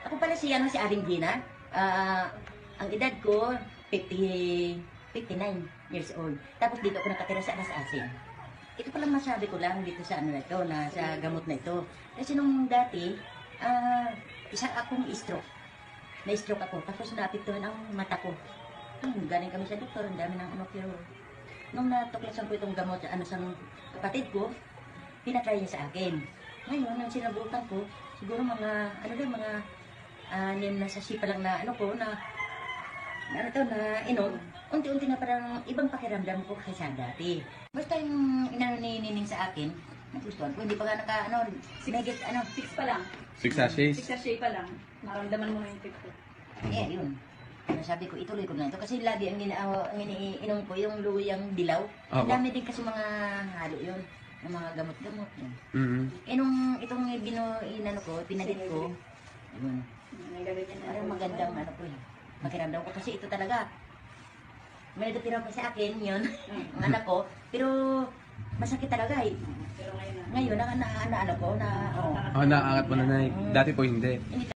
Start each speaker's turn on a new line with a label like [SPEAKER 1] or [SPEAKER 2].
[SPEAKER 1] Ako pala si Aling Gina. Ang edad ko, 59 years old. Tapos dito ako nakatira sa Alas Asin. Ito pala masabi ko lang dito sa ano na ito, na sa gamot na ito. Kasi nung dati, isa akong stroke. Na-stroke ako, tapos naapektuhan ang mata ko. Galing kami sa doktor, ang dami ng ano, pero nung natuklasan ko itong gamot sa kapatid ko, pinatry niya sa akin. Ngayon, ang sinabutan ko, siguro mga, mga 6 na sasi pa lang na inom, unti-unti na parang ibang pakiramdam ko kaysa dati. Basta yung inanining sa akin, nagustuhan ko, hindi pa nga negate,
[SPEAKER 2] 6 pa lang.
[SPEAKER 3] 6 sachets?
[SPEAKER 2] 6 sachet pa lang. Maramdaman mo na yung effect ko.
[SPEAKER 1] Eh, yun. Sabi ko, ituloy ko na ito. Kasi lagi ang iniinom ko, yung luyang dilaw. Ang dami din kasi mga halo yun. Yung mga gamot-gamot yun. Eh, nung itong pinalit ko, yun. Parang magandang makiramdam ko. Kasi ito talaga, may nagtira pa sa akin yun, ang anak ko. Pero, masakit talaga eh.
[SPEAKER 2] Pero ngayon na.
[SPEAKER 1] Ngayon, naaangat ko na,
[SPEAKER 3] Naaangat mo na, Nay. Dati po hindi.